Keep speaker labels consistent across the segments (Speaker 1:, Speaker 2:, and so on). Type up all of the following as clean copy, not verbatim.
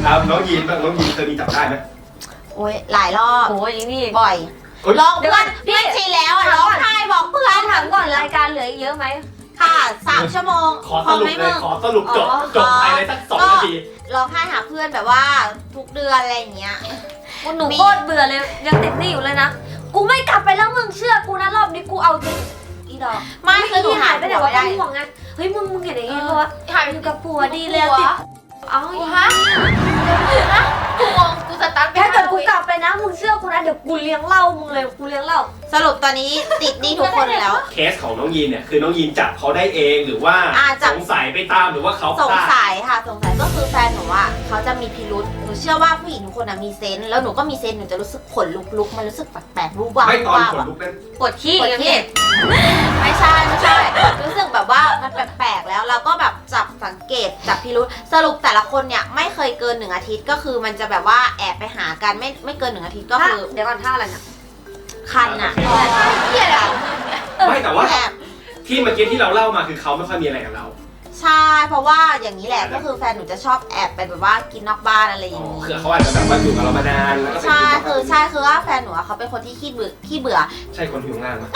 Speaker 1: น้องยีนเคยมีจับได้ไหม
Speaker 2: โอ้ยหลายรอบ
Speaker 3: โอ้ยนี่
Speaker 2: บ่อยร้องเพื่อนชินแล้วร้องไห้บอกเพื่อน
Speaker 3: ถามก่อนรายการเหลืออีกเยอะไหม
Speaker 2: ค่ะ3 ชั่วโมง
Speaker 1: ขอสรุปเลยขอสรุปจบภายในสัก2 นาที
Speaker 2: ร้องไห้หาเพื่อนแบบว่าทุกเดือนอะไรอย่างเงี้ย
Speaker 3: หนูโคตรเบื่อเลยยังติดหนี้อยู่เลยนะกูไม่กลับไปแล้วมึงเชื่อกูนะรอบนี้กูเอาจริงอีดอก
Speaker 2: ไม่คือหนูหาย
Speaker 3: ไปไหนวะห่วงไงเฮ้ยมึงเห็นอย่างงี้เพราะว่าหายอยู่กับผัวดีแล้วติดเอา
Speaker 4: ฮะกูงงกูสตาร์ท
Speaker 3: ถ้าเกิดกูกลับไปนะมึงเชื่อกูนะเดี๋ยวกูเลี้ยงเหล้ามึงเลยกูเลี้ยงเหล้า
Speaker 2: สรุปตอนนี้ติดหนี้ทุกคนแล้ว
Speaker 1: เคสของน้องยีนเนี่ยคือน้องยีนจับเขาได้เองหรือว่าสงสัยไปตามหรือว่าเขา
Speaker 2: สงสัยค่ะสงสัยก็คือแฟนหนูอ่ะเขาจะมีพิรุษหนูเชื่อว่าผู้หญิงทุกคนมีเซนส์แล้วหนูก็มีเซนส์หนูจะรู้สึกขนลุกมันรู้สึกแปลกๆรู้ว่า
Speaker 1: ไม่ตอนขนลุกนั้น
Speaker 2: ปวดขี้ไม่ใช่รู้สึกแบบว่ามันแปลกๆแล้วเราก็แบบจับสังเกตจับพิรุษสรุปแต่ละคนเนี่ยไม่เคยเกิน1 อาทิตย์ก็คือมันจะแบบว่าแอบไปหากันไม่เกิน1 อาทิตย์ก็คือ
Speaker 3: เดี๋ยวก่อนท่าอะไรเนี่ย
Speaker 2: คันอ่ะ
Speaker 1: ไม่แต่ว่าที่เมื่อกี้ที่เราเล่ามาคือเขาไม่ค่อยมีอะไรกับเรา
Speaker 2: ใช่เพราะว่าอย่างนี้แหละก็คือแฟนหนูจะชอบแอบไปแบบว่ากินนอกบ้านอะไรอย่างนี้
Speaker 1: คือเขาอาจจะแบบว่าอยู่กับเรามานานแล้วก็
Speaker 2: ใช่คือว่าแฟนหนูเขาเป็นคนที่ขี้เบื่อ
Speaker 1: ใช่คนผิวงานมั้ย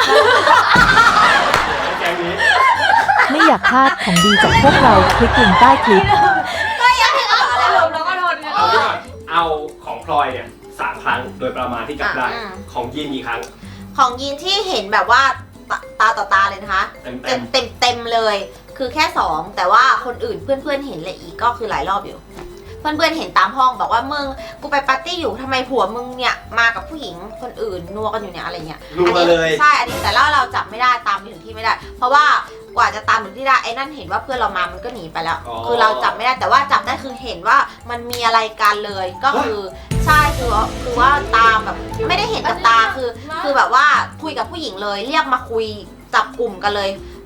Speaker 1: แกงนี้
Speaker 5: ไม่อยากพลาดของดีจากพวกเราคลิกลิงก์ใต้คลิป
Speaker 2: ก็ยังเอาอะไร
Speaker 3: ลมแล้วก็โดน
Speaker 1: เอาของพลอยเนี่ย3 ครั้งโดยประมาณที่จับได้ของยีนกี่ครั้ง
Speaker 2: ของยีนที่เห็นแบบว่าตาต่อตาเลยนะคะเต็มเลยคือแค่2แต่ว่าคนอื่นเพื่อนเห็นเลยอีกก็คือหลายรอบอยู่เพื่อนเห็นตามห้องบอกว่ามึงกูไปปาร์ตี้อยู่ทำไมผัวมึงเนี่ยมากับผู้หญิงคนอื่นนัวกันอยู่เนี่ยอะไรเงี้ยใช่อันนี้แต่เราจับไม่ได้ตามไปถึงที่ไม่ได้เพราะว่ากว่าจะตามถึงที่ได้ไอ้นั่นเห็นว่าเพื่อนเรามามันก็หนีไปแล้วคือเราจับไม่ได้แต่ว่าจับได้คือเห็นว่ามันมีอะไรกันเลยก็คือใช่คือว่าตามแบบไม่ได้เห็นกับตาคือแบบว่าคุยกับผู้หญิงเลยเรียกมาคุยจับกลุ่มกันเลย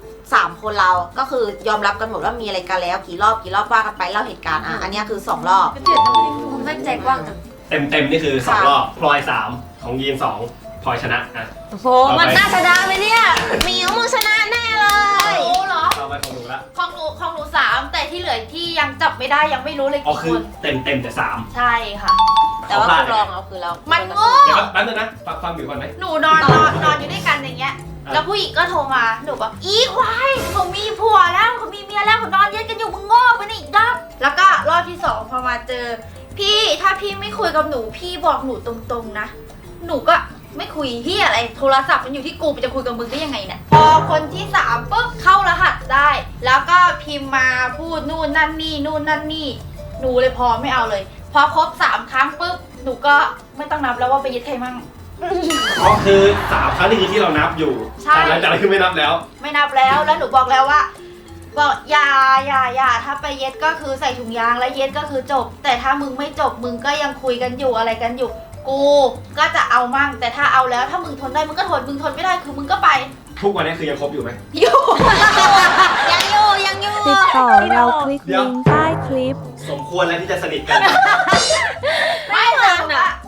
Speaker 2: 3 คนเราก็คือยอมรับกันหมดว่ามีอะไรกันแล้วกี่รอบว่ากันไปเล่าเหตุการณ์อันนี้คือ2 รอบ
Speaker 3: มึงไม่ใจกว้างจัง
Speaker 1: เต็มนี่คือ2 รอบพลอย3ของยีน2พลอยชนะ
Speaker 3: โอ้โหมันน่าชนะไหมเนี่ย
Speaker 2: มิวมึงชนะแน่เลย
Speaker 4: โอ้เหรอ
Speaker 1: เอาไปของหนูละ
Speaker 4: ของหนู3แต่ที่เหลือที่ยังจับไม่ได้ยังไม่รู้เลย
Speaker 1: กี่คนเต็มแต่3
Speaker 4: ใช่ค่ะ
Speaker 2: แต่ว่าคุณลองเอาคือเรา
Speaker 4: มันโง่
Speaker 1: เดี๋ยวแป๊บนึงนะฟังอยู่ก่อนไหม
Speaker 4: หนูนอนอยู่ด้วยกันอย่างเงี้ยแล้วผู้หญิงก็โทรมาหนูบอกอีควายเขามีผัวแล้วเขามีเมียแล้วเขานอนเย็นกันอยู่มึงโง่ไปนี่อีกรอบแล้วก็รอบที่2พอมาเจอพี่ถ้าพี่ไม่คุยกับหนูพี่บอกหนูตรงๆนะหนูก็ไม่คุยที่อะไรโทรศัพท์มันอยู่ที่กูจะคุยกับมึงได้ยังไงเนี่ยพอคนที่3ปุ๊บเข้ารหัสได้แล้วก็พิมพ์มาพูดนู่นนั่นนี่หนูเลยพอไม่เอาเลยพอครบ3 ครั้งปุ๊บหนูก็ไม่ต้องนับแล้วว่าไปยึดใครมั่ง
Speaker 1: ก็คือ3 ครั้งนี่คือที่เรานับอยู่แต่หลังจากนั้นคือไม่นับแล้ว
Speaker 4: แล้วหนูบอกแล้วว่าอย่าถ้าไปเย็ดก็คือใส่ถุงยางแล้วเย็ดก็คือจบแต่ถ้ามึงไม่จบมึงก็ยังคุยกันอยู่อะไรกันอยู่กูก็จะเอามั่งแต่ถ้าเอาแล้วถ้ามึงทนได้มึงก็ทนมึงทนไม่ได้คือมึงก็ไป
Speaker 1: ทุกวันนี้คือยังคบอยู่ไหม
Speaker 4: อยู่
Speaker 2: ยังอยู่
Speaker 5: ติดต่อเราคลิกลิงก์ใต้คลิป
Speaker 1: สมควรแล้วที่จะสนิทกัน
Speaker 4: ไม่หรอก